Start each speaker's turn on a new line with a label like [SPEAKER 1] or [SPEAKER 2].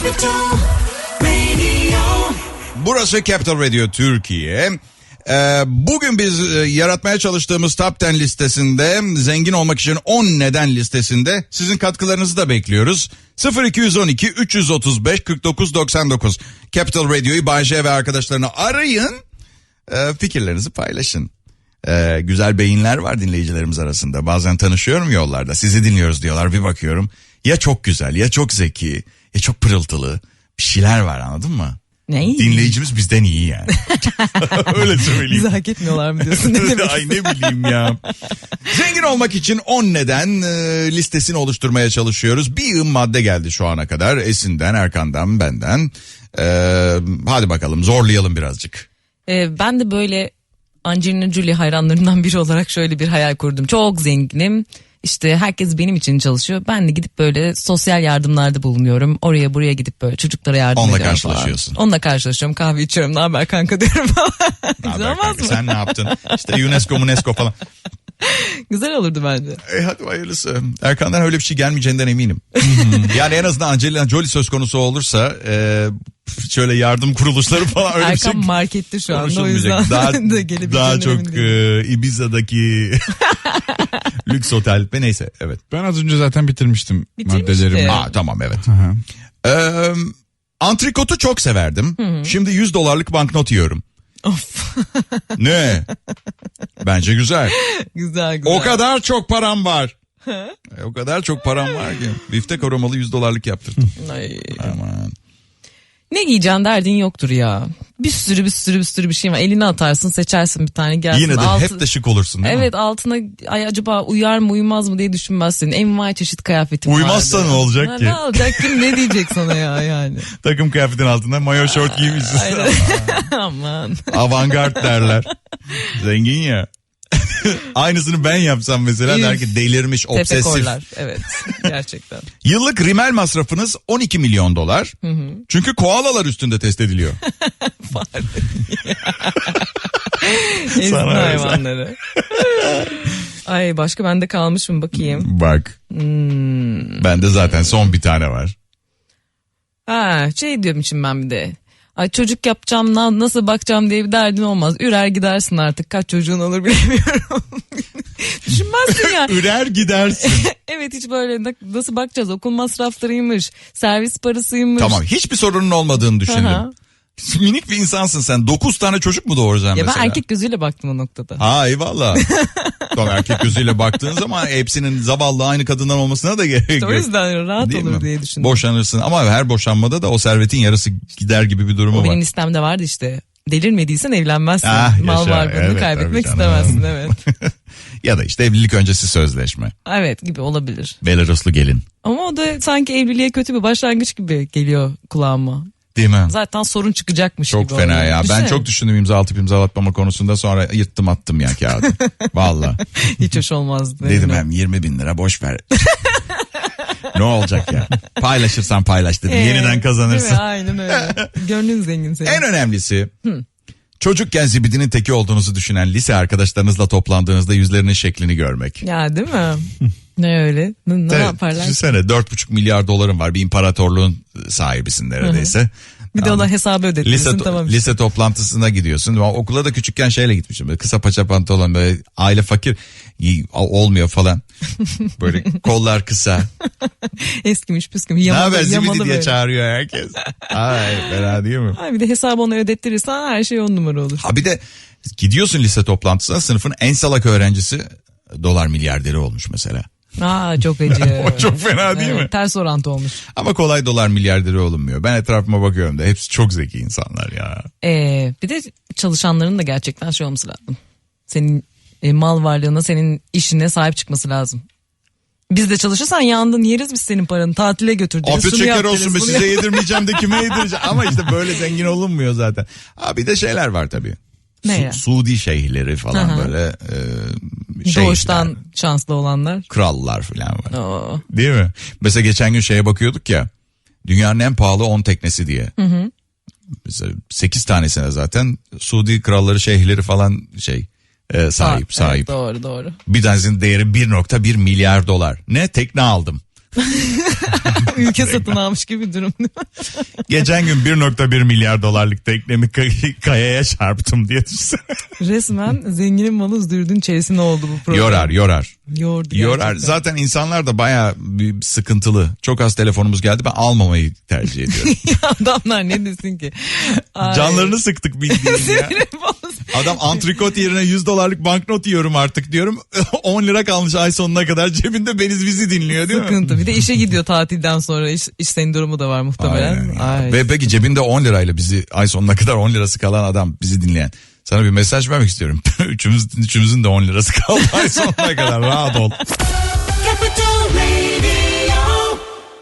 [SPEAKER 1] Capital Radio.
[SPEAKER 2] Burası Capital Radio Türkiye. Bugün biz yaratmaya çalıştığımız Top 10 listesinde, zengin olmak için 10 neden listesinde sizin katkılarınızı da bekliyoruz. 0212 335 49 99 Capital Radio'yu Bay J ve arkadaşlarını arayın. Fikirlerinizi paylaşın. Güzel beyinler var dinleyicilerimiz arasında. Bazen tanışıyorum yollarda. Sizi dinliyoruz diyorlar. Bir bakıyorum. Ya çok güzel, ya çok zeki, ya çok pırıltılı bir şeyler var, anladın mı?
[SPEAKER 3] Ne?
[SPEAKER 2] Dinleyicimiz bizden iyi yani. Öyle söyleyeyim.
[SPEAKER 3] Bizi hak etmiyorlar mı diyorsun? Ne demek?
[SPEAKER 2] Ay ne bileyim ya. Zengin olmak için 10 neden listesini oluşturmaya çalışıyoruz. Bir yığın madde geldi şu ana kadar. Esin'den, Erkan'dan, benden. Hadi bakalım zorlayalım birazcık.
[SPEAKER 3] Ben de böyle Angelina Jolie hayranlarından biri olarak şöyle bir hayal kurdum. Çok zenginim. İşte herkes benim için çalışıyor. Ben de gidip böyle sosyal yardımlarda bulunuyorum. Oraya buraya gidip böyle çocuklara yardım
[SPEAKER 2] Onunla
[SPEAKER 3] ediyorum
[SPEAKER 2] karşılaşıyorsun.
[SPEAKER 3] falan. Onunla karşılaşıyorum. Kahve içiyorum. Ne haber kanka diyorum falan. Güzel olmaz mı?
[SPEAKER 2] Sen ne yaptın? İşte UNESCO falan.
[SPEAKER 3] Güzel olurdu bence.
[SPEAKER 2] Hadi hayırlısı. Erkan'dan öyle bir şey gelmeyeceğinden eminim. Yani en azından Angelina Jolie söz konusu olursa şöyle yardım kuruluşları falan öyle
[SPEAKER 3] Erkan
[SPEAKER 2] bir şey
[SPEAKER 3] markette şu anda, o yüzden
[SPEAKER 2] daha çok Ibiza'daki lüks otel ve neyse, evet.
[SPEAKER 4] Ben az önce zaten bitirmiştim
[SPEAKER 3] Bitirmişti.
[SPEAKER 4] maddelerimi.
[SPEAKER 2] Tamam, evet.
[SPEAKER 4] Aha.
[SPEAKER 2] Antrikotu çok severdim. Şimdi $100 banknot yiyorum.
[SPEAKER 3] Of.
[SPEAKER 2] Ne? Bence güzel.
[SPEAKER 3] Güzel.
[SPEAKER 2] O kadar çok param var. O kadar çok param var ki. Biftek aromalı $100 yaptırdım.
[SPEAKER 3] Ay.
[SPEAKER 2] Aman.
[SPEAKER 3] Ne giyeceksin derdin yoktur ya. Bir sürü bir şey var. Eline atarsın, seçersin bir tane gelsin.
[SPEAKER 2] Yine de hep de şık olursun değil mi?
[SPEAKER 3] Evet, altına ay acaba uyar mı uymaz mı diye düşünmezsin. Envai çeşit kıyafetim var.
[SPEAKER 2] Uymazsa ne olacak ki?
[SPEAKER 3] Ne olacak, kim ne diyecek sana ya yani.
[SPEAKER 2] Takım kıyafetin altında mayo şort giymişsin.
[SPEAKER 3] Aynen. Aman.
[SPEAKER 2] Avantgard derler. Zengin ya. Aynısını ben yapsam mesela der ki delirmiş, obsesif.
[SPEAKER 3] Tepekorlar, evet, gerçekten.
[SPEAKER 2] Yıllık rimel masrafınız $12 milyon. Çünkü koalalar üstünde test ediliyor.
[SPEAKER 3] Ezdi
[SPEAKER 2] Sana
[SPEAKER 3] hayvanları. Ay, başka bende kalmış mı bakayım.
[SPEAKER 2] Bak. Bende zaten son bir tane var.
[SPEAKER 3] Şey diyorum şimdi ben bir de. Ay, çocuk yapacağım, nasıl bakacağım diye bir derdin olmaz. Ürer gidersin artık, kaç çocuğun olur bilemiyorum. Düşünmezsin ya.
[SPEAKER 2] Ürer gidersin.
[SPEAKER 3] Evet, hiç böyle nasıl bakacağız, okul masraflarıymış, servis parasıymış.
[SPEAKER 2] Tamam, hiçbir sorunun olmadığını düşündüm.
[SPEAKER 3] Aha.
[SPEAKER 2] Minik bir insansın sen. 9 tane çocuk mu doğuracaksın
[SPEAKER 3] Ya
[SPEAKER 2] mesela?
[SPEAKER 3] ben erkek gözüyle baktım o noktada.
[SPEAKER 2] Ha, eyvallah. Tamam, erkek gözüyle baktığın zaman hepsinin zavallı aynı kadından olmasına da gerek
[SPEAKER 3] İşte
[SPEAKER 2] yok.
[SPEAKER 3] o yüzden rahat
[SPEAKER 2] Değil
[SPEAKER 3] olur
[SPEAKER 2] mi?
[SPEAKER 3] diye düşündüm.
[SPEAKER 2] Boşanırsın ama her boşanmada da o servetin yarısı gider gibi bir durumu
[SPEAKER 3] O
[SPEAKER 2] var.
[SPEAKER 3] benim listemde vardı işte. Delirmediysen evlenmezsin. Mal
[SPEAKER 2] Yaşa,
[SPEAKER 3] varlığını
[SPEAKER 2] evet,
[SPEAKER 3] kaybetmek
[SPEAKER 2] tabii canım.
[SPEAKER 3] istemezsin, evet.
[SPEAKER 2] Ya da işte evlilik öncesi sözleşme.
[SPEAKER 3] Evet, gibi olabilir.
[SPEAKER 2] Belaruslu gelin.
[SPEAKER 3] Ama o da sanki evliliğe kötü bir başlangıç gibi geliyor kulağıma.
[SPEAKER 2] Değil mi?
[SPEAKER 3] Zaten sorun çıkacakmış
[SPEAKER 2] Çok
[SPEAKER 3] gibi.
[SPEAKER 2] fena
[SPEAKER 3] oluyor.
[SPEAKER 2] ya.
[SPEAKER 3] Düşünsene.
[SPEAKER 2] Ben çok düşündüm imza atıp imzalatmama konusunda, sonra yırttım attım ya kağıdı. Valla.
[SPEAKER 3] Hiç hoş olmazdı.
[SPEAKER 2] Dedim hem 20 bin lira boş ver. Ne olacak ya? Paylaşırsan paylaş dedim. Yeniden kazanırsın.
[SPEAKER 3] Değil mi? Aynen öyle. Gönlün zengin senin.
[SPEAKER 2] En önemlisi çocukken zibidinin teki olduğunuzu düşünen lise arkadaşlarınızla toplandığınızda yüzlerinin şeklini görmek.
[SPEAKER 3] Ya değil mi? Ne öyle? Ne yaparlar?
[SPEAKER 2] Düşünsene, $4,5 milyar var, bir imparatorluğun sahibisin neredeyse.
[SPEAKER 3] Bir de ona hesabı ödetmişsin, tamam işte.
[SPEAKER 2] Lise toplantısına gidiyorsun. Okula da küçükken şeyle gitmişim. Böyle kısa paça pantolon, böyle aile fakir olmuyor falan. Böyle kollar kısa.
[SPEAKER 3] Eskimiş püskümüş.
[SPEAKER 2] Ne haber zibidi
[SPEAKER 3] yamalı
[SPEAKER 2] diye
[SPEAKER 3] böyle.
[SPEAKER 2] çağırıyor herkes. Ay, fena değil mi?
[SPEAKER 3] Ay, bir de hesabı ona ödettirirsen her şey 10 numara olur.
[SPEAKER 2] Ha, bir de gidiyorsun lise toplantısına, sınıfın en salak öğrencisi dolar milyarderi olmuş mesela.
[SPEAKER 3] Çok acı.
[SPEAKER 2] O çok fena değil mi?
[SPEAKER 3] Ters orantı olmuş.
[SPEAKER 2] Ama kolay dolar milyarderi olunmuyor. Ben etrafıma bakıyorum da hepsi çok zeki insanlar ya.
[SPEAKER 3] Bir de çalışanların da gerçekten şey olması lazım. Senin mal varlığına, senin işine sahip çıkması lazım. Biz de çalışırsan yandın, yeriz biz senin paranı, tatile götüreceğiz.
[SPEAKER 2] Afiyet
[SPEAKER 3] şunu
[SPEAKER 2] şeker
[SPEAKER 3] yap
[SPEAKER 2] olsun be,
[SPEAKER 3] deriz, bunu
[SPEAKER 2] size
[SPEAKER 3] yap.
[SPEAKER 2] yedirmeyeceğim de kime yedireceğim. Ama işte böyle zengin olunmuyor zaten. Bir de şeyler var tabii.
[SPEAKER 3] Ne ya?
[SPEAKER 2] Suudi şeyhleri falan.
[SPEAKER 3] Aha.
[SPEAKER 2] Böyle
[SPEAKER 3] Doğuştan şanslı olanlar.
[SPEAKER 2] krallar falan var.
[SPEAKER 3] Oo.
[SPEAKER 2] Değil mi? Mesela geçen gün şeye bakıyorduk ya. Dünyanın en pahalı 10 teknesi diye. Mesela 8 tanesine zaten Suudi kralları, şeyhleri falan sahip.
[SPEAKER 3] Evet, doğru.
[SPEAKER 2] Bir tanesinin değeri $1,1 milyar. Ne? Tekne aldım.
[SPEAKER 3] Ülke satın almış gibi bir durum.
[SPEAKER 4] Geçen gün 1.1 milyar dolarlık teknemi kayaya çarptım diye düşünsene.
[SPEAKER 3] Resmen zenginin malı zürdün çeresine oldu bu program.
[SPEAKER 2] Yorar.
[SPEAKER 3] Yordu
[SPEAKER 2] Yorar.
[SPEAKER 3] gerçekten.
[SPEAKER 2] Zaten insanlar da bayağı bir sıkıntılı. Çok az telefonumuz geldi. Ben almamayı tercih ediyorum.
[SPEAKER 3] Adamlar ne desin ki? Ay.
[SPEAKER 2] Canlarını sıktık bildiğin ya.
[SPEAKER 3] Sinirim bozdu.
[SPEAKER 2] Adam antrikot yerine 100 dolarlık banknot yiyorum artık diyorum. 10 lira kalmış ay sonuna kadar cebinde Beniz bizi dinliyor değil mi?
[SPEAKER 3] Sıkıntı. Bir de işe gidiyor tatilden sonra. İş sendromu da var muhtemelen.
[SPEAKER 2] Aynen ya.
[SPEAKER 3] Ay.
[SPEAKER 2] Ve peki cebinde 10 lirayla bizi ay sonuna kadar 10 lirası kalan adam bizi dinleyen. Sana bir mesaj vermek istiyorum. Üçümüzün de 10 lirası kaldı ay sonuna kadar, rahat ol.